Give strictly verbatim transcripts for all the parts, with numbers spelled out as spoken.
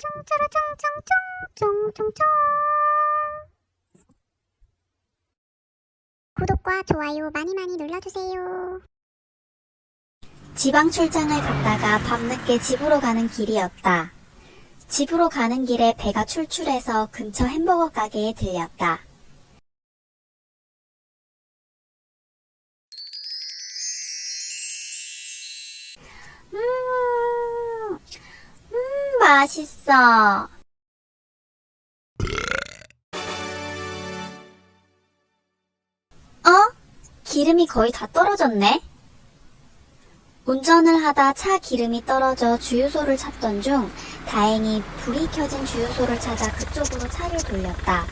쫑쫑쫑쫑쫑쫑쫑쫑 구독과 좋아요 많이 많이 눌러주세요. 지방 출장을 갔다가 밤늦게 집으로 가는 길이었다. 집으로 가는 길에 배가 출출해서 근처 햄버거 가게에 들렸다. 음, 음, 맛있어. 어? 기름이 거의 다 떨어졌네? 운전을 하다 차 기름이 떨어져 주유소를 찾던 중 다행히 불이 켜진 주유소를 찾아 그쪽으로 차를 돌렸다.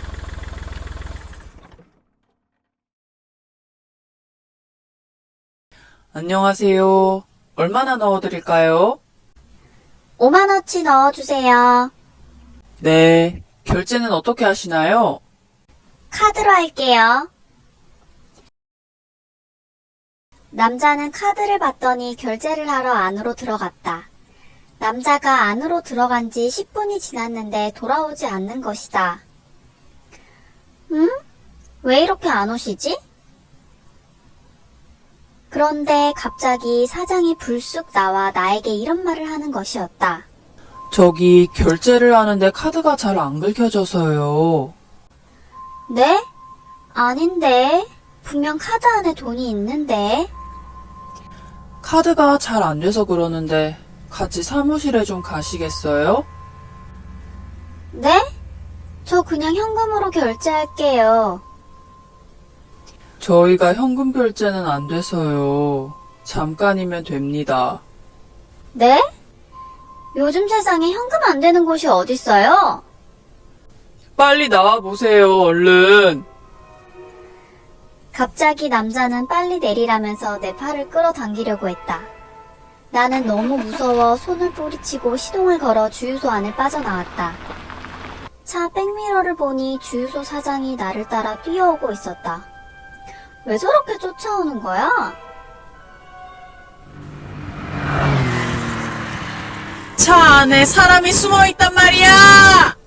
안녕하세요. 얼마나 넣어드릴까요? 오만원치 넣어주세요. 네. 결제는 어떻게 하시나요? 카드로 할게요. 남자는 카드를 받더니 결제를 하러 안으로 들어갔다. 남자가 안으로 들어간 지 십 분이 지났는데 돌아오지 않는 것이다. 응? 왜 이렇게 안 오시지? 그런데 갑자기 사장이 불쑥 나와 나에게 이런 말을 하는 것이었다. 저기 결제를 하는데 카드가 잘 안 긁혀져서요. 네? 아닌데. 분명 카드 안에 돈이 있는데. 카드가 잘 안 돼서 그러는데 같이 사무실에 좀 가시겠어요? 네? 저 그냥 현금으로 결제할게요. 저희가 현금 결제는 안 돼서요. 잠깐이면 됩니다. 네? 요즘 세상에 현금 안 되는 곳이 어딨어요? 빨리 나와보세요, 얼른. 갑자기 남자는 빨리 내리라면서 내 팔을 끌어당기려고 했다. 나는 너무 무서워 손을 뿌리치고 시동을 걸어 주유소 안에 빠져나왔다. 차 백미러를 보니 주유소 사장이 나를 따라 뛰어오고 있었다. 왜 저렇게 쫓아오는 거야? 차 안에 사람이 숨어 있단 말이야!